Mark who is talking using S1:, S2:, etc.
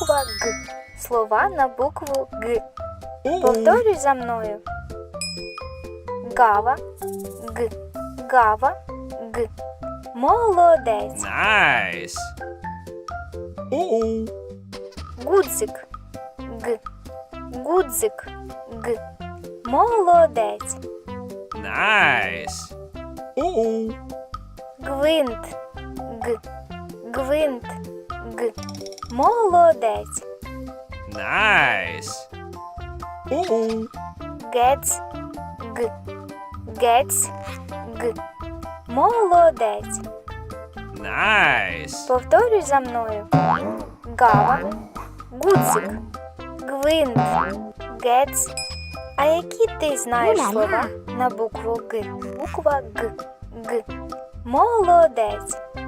S1: Буква Г. Слова на букву Г. Повторюй за мною. Гава, Г. Гава, Г. Молодець.
S2: Nice.
S1: Гудзик, Г. Гудзик, Г. Молодець.
S2: Nice.
S1: Гвинт, Г. Гвинт, Г. Молодець.
S2: Nice.
S1: Гец, Г. Гец, Г. Молодець.
S2: Nice.
S1: Повторюй за мною. Гава, гудзик, гвинт, гец. А які ти знаєш слова на букву Г? Буква Г. Г. Молодець.